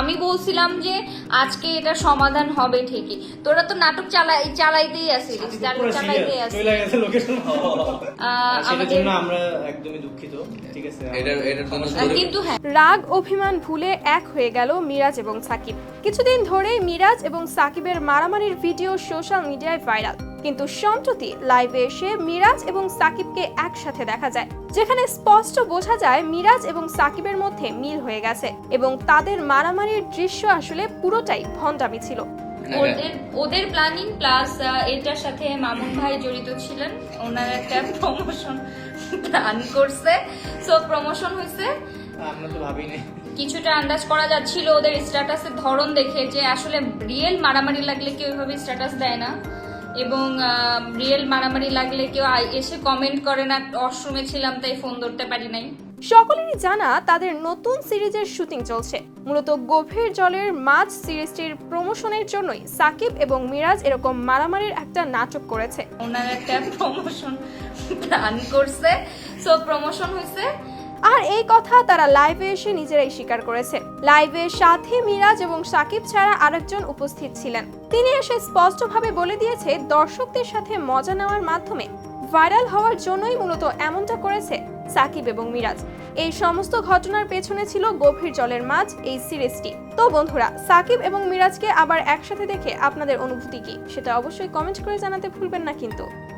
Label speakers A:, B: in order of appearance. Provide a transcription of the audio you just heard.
A: আমি বলছিলাম যে আজকে এটা সমাধান হবে ঠিকই, তোরা তো নাটক চালাইতেই আসিস, চালাইতেই আসিস।
B: সেটার জন্য আমরা একদমই দুঃখিত, ঠিক আছে?
A: কিন্তু হ্যাঁ,
C: রাগ অভিমান ভুলে এক হয়ে গেল মিরাজ এবং সাকিব। কিছুদিন ধরেই মিরাজ এবং সাকিবের মারামারির ভিডিও সোশ্যাল মিডিয়ায় ভাইরাল, কিন্তু সম্প্রতি লাইভে এসে মিরাজ এবং সাকিবকে একসাথে দেখা যায়, যেখানে স্পষ্ট বোঝা যায় মিরাজ এবং সাকিবের মধ্যে মিল হয়ে গেছে এবং তাদের মারামারির দৃশ্য আসলে পুরোটাই ভণ্ডামি ছিল।
A: ওদের প্ল্যানিং প্লাস এটার সাথে মামুন ভাই জড়িত ছিলেন, ওনার একটা প্রমোশন প্ল্যান করছে, সো প্রমোশন হয়েছে।
B: আমরা তো ভাবিনি,
A: কিছুটা আন্দাজ করা যাচ্ছিল ওদের স্ট্যাটাসের ধরন দেখে যে আসলে রিয়েল মারামারি লাগলে কেউ এভাবে স্ট্যাটাস দেয় না, এবং রিয়েল মারামারি লাগলে কেউ এসে কমেন্ট করে না ওয়াশরুমে ছিলাম তাই ফোন ধরতে পারি নাই।
C: সকলেরই জানা তাদের নতুন সিরিজের শুটিং চলছে। মূলত গভীর জলের মাছ সিরিজটির প্রমোশনের জন্যই সাকিব এবং মিরাজ এরকম মারামারির একটা নাটক করেছে।
A: ওনার একটা প্রমোশন প্ল্যান করছে, সো প্রমোশন হয়েছে।
C: আর এই কথা তারা লাইভে এসে নিজেরাই স্বীকার করেছে। লাইভে সাথে মিরাজ এবং সাকিব ছাড়া আরেকজন উপস্থিত ছিলেন। তিনি এসে স্পষ্টভাবে বলে দিয়েছে দর্শকদের সাথে মজা নেওয়ার মাধ্যমে ভাইরাল হওয়ার জন্যই মূলত এমনটা করেছে সাকিব এবং মিরাজ। এই সমস্ত ঘটনার পেছনে ছিল গভীর জলের মাছ এই সিরিজটি। তো বন্ধুরা, সাকিব এবং মিরাজকে আবার একসাথে দেখে আপনাদের অনুভূতি কি সেটা অবশ্যই কমেন্ট করে জানাতে ভুলবেন না কিন্তু।